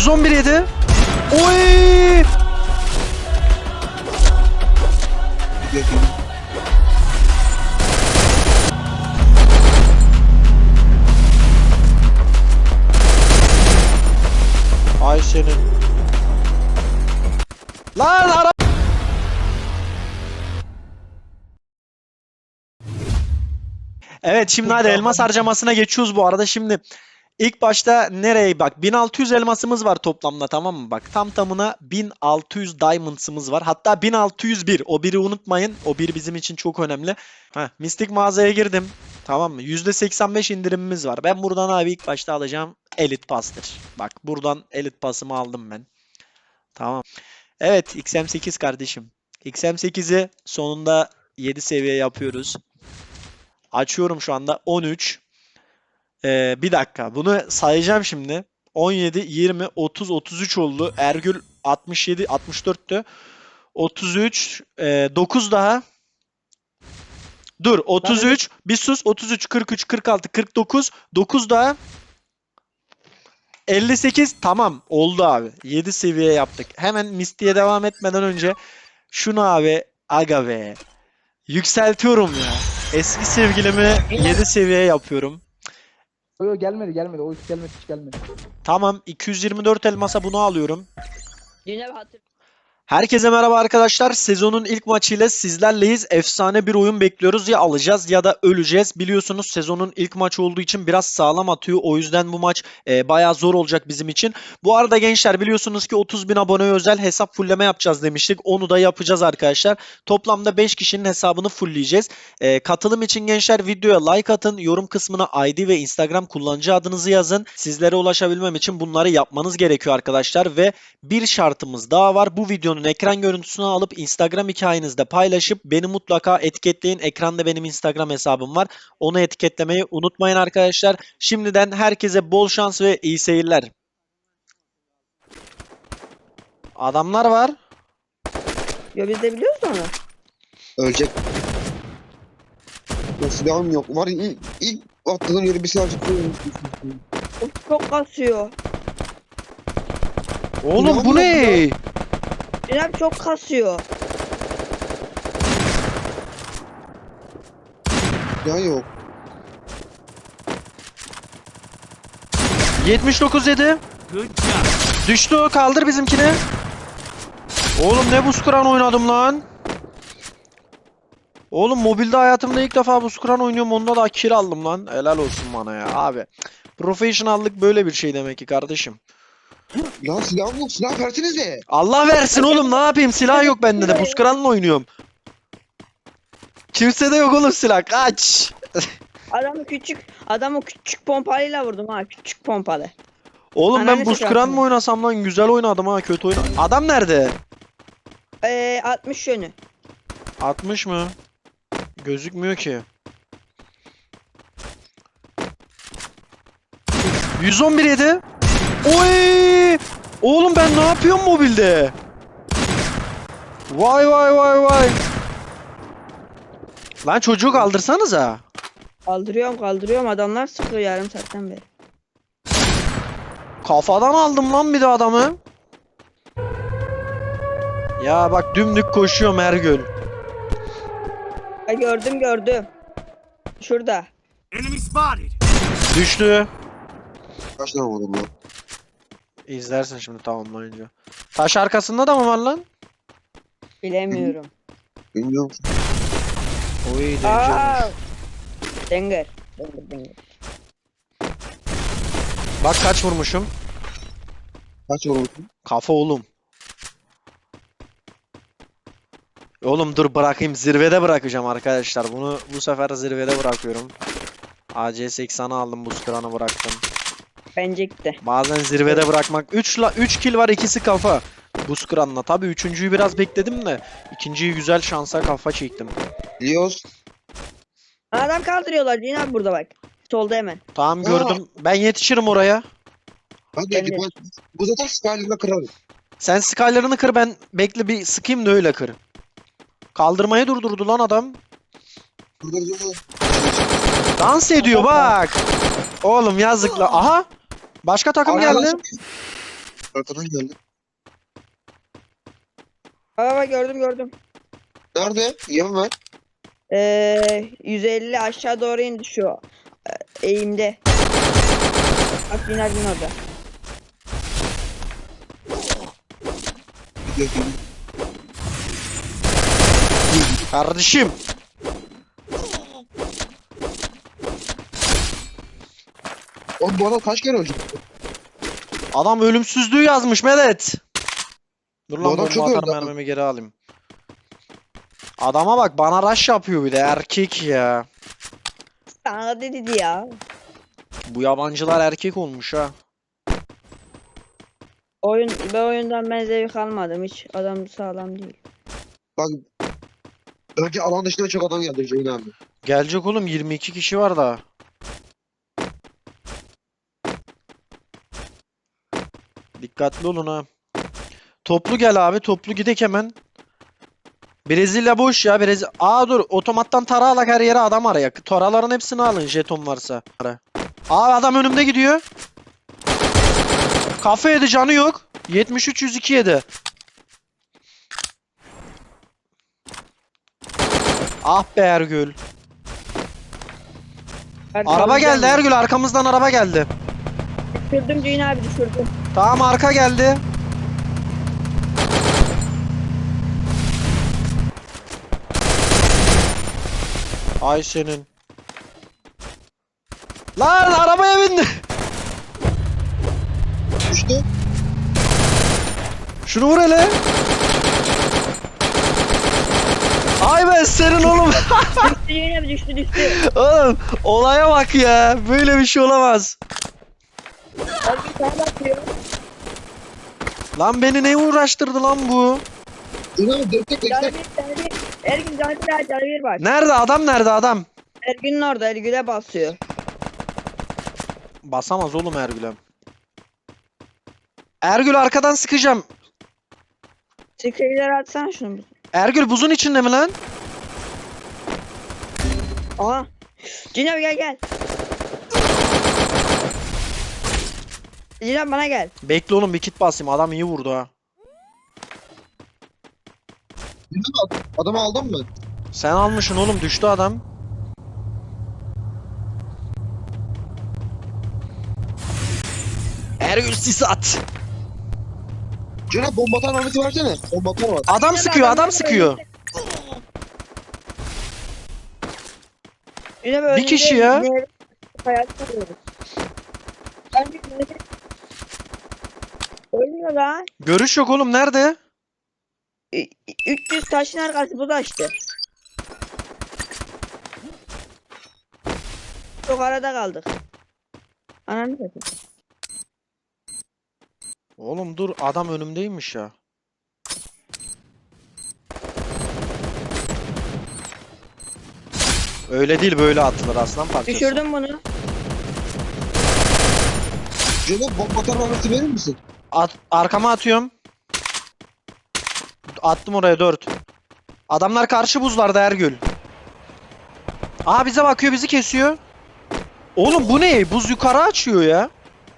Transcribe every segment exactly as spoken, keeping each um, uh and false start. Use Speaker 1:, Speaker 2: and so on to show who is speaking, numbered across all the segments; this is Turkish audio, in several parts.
Speaker 1: yüz on bir yedi. Oy! Ay senin. Lan ara. Evet şimdi hadi elmas harcamasına geçiyoruz bu arada. Şimdi ilk başta nereye bak, bin altı yüz elmasımız var toplamda, tamam mı? Bak tam tamına bin altı yüz diamonds'ımız var. Hatta bin altı yüz bir, o biri unutmayın. O bir bizim için çok önemli. Heh, mistik mağazaya girdim. Tamam mı? yüzde seksen beş indirimimiz var. Ben buradan abi ilk başta alacağım Elite Pass'tır. Bak buradan Elite Pass'ımı aldım ben. Tamam. Evet X M sekiz kardeşim. X M sekizi sonunda yedi seviye yapıyoruz. Açıyorum şu anda on üç. Ee, bir dakika. Bunu sayacağım şimdi. on yedi, yirmi, otuz, otuz üç oldu. Ergül altmış yedi, altmış dörttü. otuz üç, e, dokuz daha. Dur, otuz üç. Bir sus. otuz üç, kırk üç, kırk altı, kırk dokuz. dokuz daha. elli sekiz. Tamam. Oldu abi. yedi seviye yaptık. Hemen Misty'ye devam etmeden önce şunu abi, aga be. Yükseltiyorum ya. Eski sevgilimi yedi seviye yapıyorum.
Speaker 2: Yo, yo, gelmedi gelmedi. O hiç gelmedi hiç gelmedi.
Speaker 1: Tamam, iki yüz yirmi dört elmasa bunu alıyorum.
Speaker 3: Yine bir hatır.
Speaker 1: Herkese merhaba arkadaşlar. Sezonun ilk maçıyla sizlerleyiz. Efsane bir oyun bekliyoruz. Ya alacağız ya da öleceğiz. Biliyorsunuz sezonun ilk maçı olduğu için biraz sağlam atıyor. O yüzden bu maç e, bayağı zor olacak bizim için. Bu arada gençler biliyorsunuz ki otuz bin aboneye özel hesap fullleme yapacağız demiştik. Onu da yapacağız arkadaşlar. Toplamda beş kişinin hesabını fullleyeceğiz. E, katılım için gençler videoya like atın. Yorum kısmına I D ve Instagram kullanıcı adınızı yazın. Sizlere ulaşabilmem için bunları yapmanız gerekiyor arkadaşlar. Ve bir şartımız daha var. Bu videonun ekran görüntüsünü alıp Instagram hikayenizde paylaşıp beni mutlaka etiketleyin. Ekranda benim Instagram hesabım var. Onu etiketlemeyi unutmayın arkadaşlar. Şimdiden herkese bol şans ve iyi seyirler. Adamlar var.
Speaker 3: Ya biz de biliyoruz onu.
Speaker 4: Ölecek. Ya silahım yok. Var ya, ilk, ilk atladığım yeri bir silah çıkıyor.
Speaker 3: Of, çok kasıyor.
Speaker 1: Oğlum bu ne?
Speaker 3: Cenab çok kasıyor.
Speaker 4: Ya yok.
Speaker 1: yetmiş dokuz yedi. Düştü o, kaldır bizimkini. Oğlum ne buz kıran oynadım lan. Oğlum mobilde hayatımda ilk defa buz kıran oynuyorum, onda da kill aldım lan. Helal olsun bana ya abi. Professionallık böyle bir şey demek ki kardeşim.
Speaker 4: Lan silahım yok. Silah versenize.
Speaker 1: Allah versin oğlum, ne yapayım, silah yok bende de, buz kıranla oynuyorum. Kimse de yok oğlum silah, kaç.
Speaker 3: Adamı küçük, adamı küçük pompalıyla vurdum ha, küçük pompalı.
Speaker 1: Oğlum ben
Speaker 3: Ananı
Speaker 1: buz
Speaker 3: sikeyim.
Speaker 1: kıran mı oynasam lan, güzel oynadım ha, kötü oynadım. Adam nerede?
Speaker 3: Eee altmış yönü.
Speaker 1: altmış mı? Gözükmüyor ki. yüz on bir yedi. Oy! Oğlum ben ne yapıyorum mobilde? Vay vay vay vay. Lan çocuğu kaldırsanıza.
Speaker 3: Kaldırıyorum kaldırıyorum, adamlar sıkıyor yarım saatten beri.
Speaker 1: Kafadan aldım lan bir de adamı. Ya bak dümdük koşuyorum Ergül.
Speaker 3: Ha, gördüm gördüm. Şurada.
Speaker 5: Enemy spotted.
Speaker 1: Düştü.
Speaker 4: Kaç tane vurdum lan?
Speaker 1: İzlersin şimdi tamamlayınca. Taş arkasında da mı var lan?
Speaker 3: Bilemiyorum.
Speaker 4: Bilmiyorum.
Speaker 1: Oy
Speaker 3: Aa!
Speaker 1: deneyeceğim.
Speaker 3: Denger. Denger denger.
Speaker 1: Bak kaç vurmuşum.
Speaker 4: Kaç vurmuşsun?
Speaker 1: Kafa oğlum. Oğlum dur bırakayım, zirvede bırakacağım arkadaşlar. Bunu bu sefer zirvede bırakıyorum. A C seksen'i aldım, buz kıranı bıraktım.
Speaker 3: Bence gitti.
Speaker 1: Bazen zirvede bırakmak. üç la üç kill var, ikisi kafa. Buz kıranla. Tabii üçüncüyü biraz bekledim de ikinciyi güzel şansa kafa çektim.
Speaker 4: Biliyoruz.
Speaker 3: Adam kaldırıyorlar yine abi, burada bak. Solda hemen.
Speaker 1: Tamam gördüm. Ben yetişirim oraya.
Speaker 4: Hadi
Speaker 3: Ben
Speaker 4: hadi.
Speaker 3: de.
Speaker 4: Bu, bu zaten Skyline'la kırarım.
Speaker 1: Sen skylarını kır, ben bekle bir sıkayım da öyle kır. Kaldırmayı durdurdu lan adam.
Speaker 4: Burada burada.
Speaker 1: Dans ediyor bak. Oğlum yazıkla. Aha. Başka takım
Speaker 4: Aa,
Speaker 1: geldi.
Speaker 4: Arkadan geldi.
Speaker 3: Baba gördüm gördüm.
Speaker 4: Nerede? Yem ver.
Speaker 3: Ee, yüz elli aşağı doğru indi şu e, eğimde. Bak bin bin orada.
Speaker 4: Gidiyor, gidiyor.
Speaker 1: Kardeşim.
Speaker 4: Oğlum bu adam kaç kere öldü?
Speaker 1: Adam ölümsüzlüğü yazmış Medet. Dur
Speaker 4: Bu
Speaker 1: lan
Speaker 4: adam
Speaker 1: bomba
Speaker 4: çok
Speaker 1: atar
Speaker 4: öldü ama.
Speaker 1: mermimi geri alayım. Adama bak bana rush yapıyor bir de erkek ya.
Speaker 3: Sana dedi ya.
Speaker 1: Bu yabancılar erkek olmuş ha.
Speaker 3: Oyun, bu oyundan ben zevk almadım hiç. Adam sağlam değil.
Speaker 4: Bak. Önce alan dışına çok adam geldi Ceyhun abi.
Speaker 1: Gelecek oğlum yirmi iki kişi var daha. Dikkatli olun ha. Toplu gel abi toplu gidek hemen. Brezilya boş ya Brezilya. Aa dur otomattan tara alak her yere adam araya. Taraların hepsini alın jeton varsa. Aa adam önümde gidiyor. Kafa yedi canı yok. yetmiş üç yüz iki yedi. Ah be Ergül. Araba geldi Ergül arkamızdan araba geldi.
Speaker 3: Düşürdüm Ceyhun abi düşürdüm.
Speaker 1: Tamam arka geldi. Ay senin. Lan arabaya bindi.
Speaker 4: Düştü.
Speaker 1: Şunu vur hele. Ay ben senin oğlum.
Speaker 3: Düştü Ceyhun abi düştü düştü.
Speaker 1: Oğlum olaya bak ya. Böyle bir şey olamaz.
Speaker 3: Abi sana bakıyor.
Speaker 1: Lan beni ne uğraştırdı lan bu?
Speaker 4: Ceyhun abi destek
Speaker 3: Canı
Speaker 4: destek.
Speaker 3: bir canı bir. Ergün canı bir canı bir bak.
Speaker 1: Nerede adam nerede adam?
Speaker 3: Ergün'ün orada Ergün'e basıyor.
Speaker 1: Basamaz oğlum Ergül'e. Ergül arkadan sıkacağım.
Speaker 3: Sikeyler atsana şunu.
Speaker 1: Ergül buzun içinde mi lan?
Speaker 3: Aha. Ceyhun abi gel gel. Ceyhun abi bana gel.
Speaker 1: Bekle oğlum bir kit basayım. Adam iyi vurdu ha.
Speaker 4: Ceyhun abi adamı aldın mı?
Speaker 1: Sen almışsın oğlum düştü adam. Ergül sis at.
Speaker 4: Ceyhun abi bomba atan Ahmet'i versene. Bomba atar var.
Speaker 1: Adam sıkıyor adam sıkıyor.
Speaker 3: Ceyhun abi
Speaker 1: Bir
Speaker 3: önünde
Speaker 1: kişi ya.
Speaker 3: ne- hayat kuruyoruz. Ben bir ne- Ölmüyor lan.
Speaker 1: Görüş yok oğlum nerede?
Speaker 3: Ü- üç yüz taşın arkası bu da işte. Çok arada kaldık. Ananı satayım.
Speaker 1: Oğlum dur adam önümdeymiş ya. Öyle değil böyle atılır aslan parçası.
Speaker 3: Düşürdüm bunu.
Speaker 4: Ceyhun abi bomba atan Ahmet'i verir misin?
Speaker 1: At, arkama atıyorum. Attım oraya dört. Adamlar karşı buzlarda Ergül. Aa bize bakıyor bizi kesiyor. Oğlum bu ne? Buz yukarı açıyor ya.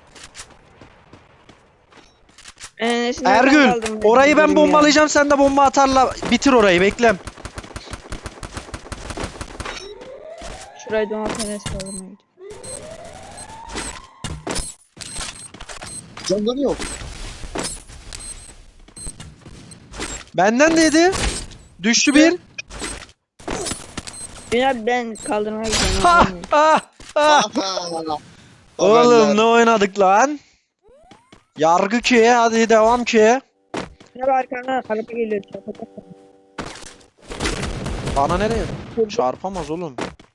Speaker 3: Enesine ben
Speaker 1: Ergül
Speaker 3: kaldım.
Speaker 1: orayı ben
Speaker 3: Bilmiyorum ya.
Speaker 1: bombalayacağım sen de bomba atarla bitir orayı beklem.
Speaker 3: Şurayı domat Enes kaldırmaya gidiyorum.
Speaker 4: Canları yok.
Speaker 1: Benden de yedi. Düştü bir.
Speaker 3: Ceyhun abi ben kaldırmaya gidiyorum.
Speaker 1: Ha ha ha. Oğlum ne oynadık lan? Yargı ki hadi devam ki.
Speaker 3: Ne var arkana araba geliyor. çarpacak.
Speaker 1: Bana nereye? Çarpamaz oğlum.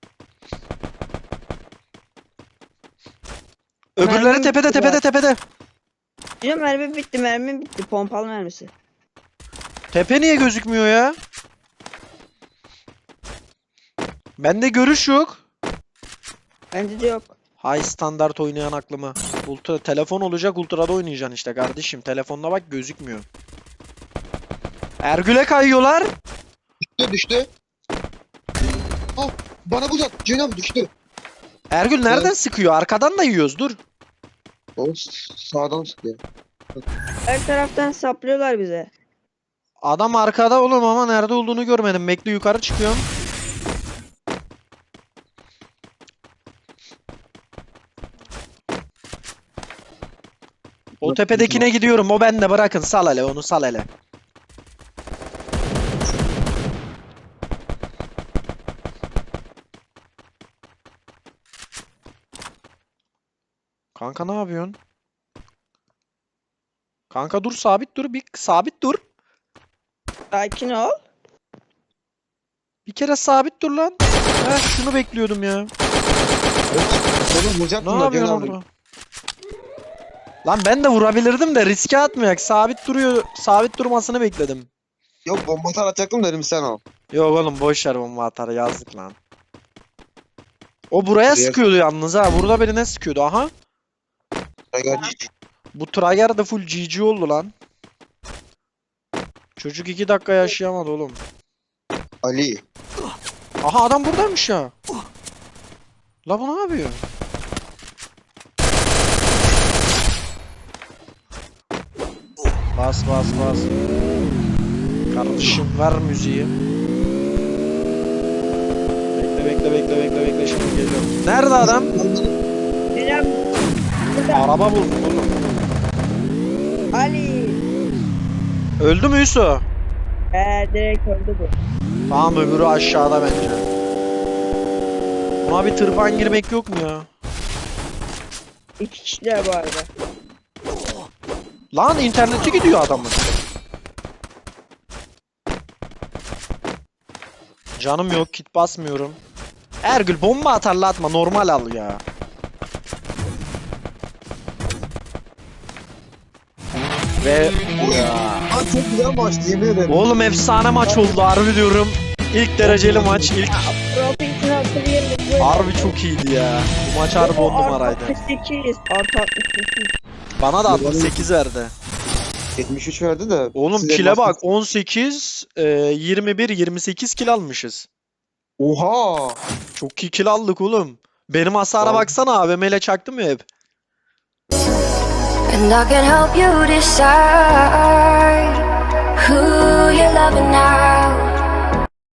Speaker 1: Öbürleri
Speaker 3: Mermim
Speaker 1: tepede
Speaker 3: bitti
Speaker 1: tepede
Speaker 3: bak.
Speaker 1: tepede.
Speaker 3: Ceyhun mermi bitti mermi bitti. Pompalı mermisi.
Speaker 1: Tepe niye gözükmüyor ya? Bende görüş yok.
Speaker 3: Bende de yok.
Speaker 1: High standart oynayan aklıma. Ultra telefon olacak ultrada oynayacaksın işte kardeşim. Telefonda bak gözükmüyor. Ergül'e kayıyorlar.
Speaker 4: Düştü düştü. Ah bana buz at. Ceyhun abi düştü.
Speaker 1: Ergül nereden sıkıyor? Arkadan da yiyoruz dur.
Speaker 4: O s- sağdan sıkıyor.
Speaker 3: Her taraftan saplıyorlar bize.
Speaker 1: Adam arkada oğlum ama nerede olduğunu görmedim. Bekle yukarı çıkıyorum. O tepedekine gidiyorum. O bende, bırakın. Sal hele onu, sal hele. Kanka ne yapıyorsun? Kanka dur, sabit dur. Bir sabit dur.
Speaker 3: Sakin ol.
Speaker 1: Bir kere sabit dur lan. Heh, şunu bekliyordum ya.
Speaker 4: Oğlum vuracaktım
Speaker 1: Ne
Speaker 4: da
Speaker 1: yapıyorsun
Speaker 4: Cenab-ı.
Speaker 1: orada? Lan ben de vurabilirdim de riske atmayak. Sabit duruyor. Sabit durmasını bekledim.
Speaker 4: Yok bomba atar atacaktım dedim sen al.
Speaker 1: Yok oğlum boş ver, bomba atar, yazdık lan. O buraya
Speaker 4: Buraya-
Speaker 1: sıkıyordu yalnız ha. Burada birine sıkıyordu. Aha.
Speaker 4: Gel.
Speaker 1: Bu Trager da full G G oldu lan. Çocuk iki dakika yaşayamadı oğlum.
Speaker 4: Ali.
Speaker 1: Aha adam buradaymış ya. La bu ne yapıyor? Bas bas bas. Kardeşim ver müziği. Bekle bekle bekle bekle bekle, şimdi geliyorum. Nerede adam?
Speaker 3: Cenab
Speaker 1: Araba buldum oğlum.
Speaker 3: Ali.
Speaker 1: Öldü mü Yusuf?
Speaker 3: Ee, direkt öldü bu.
Speaker 1: Tamam, öbürü aşağıda bence. Buna bir tırpan girmek yok mu ya?
Speaker 3: İki kişiler bu arada.
Speaker 1: Lan interneti gidiyor adamın. Canım yok, kit basmıyorum. Ergül bomba atarla atma, normal al ya. Ve ya.
Speaker 4: Aa, çok güzel maçtı yemin ederim.
Speaker 1: Oğlum efsane maç oldu, harbi diyorum. İlk dereceli maç, ilk
Speaker 3: Profesyonel hatırlayabilirim.
Speaker 1: harbi çok iyiydi ya. Bu maç harbi on numaraydı.
Speaker 3: altmış sekiz. Artı altmış sekiz.
Speaker 1: Bana da altmış sekiz verdi.
Speaker 4: yetmiş üç verdi de.
Speaker 1: Oğlum
Speaker 4: size
Speaker 1: kile bak,
Speaker 4: maç-
Speaker 1: on sekiz, e, yirmi bir, yirmi sekiz kill almışız.
Speaker 4: Oha.
Speaker 1: Çok iyi kill aldık oğlum. Benim hasara
Speaker 4: Abi.
Speaker 1: baksana, A V M ile çaktım ya hep.
Speaker 5: And I can help you decide who you're loving now.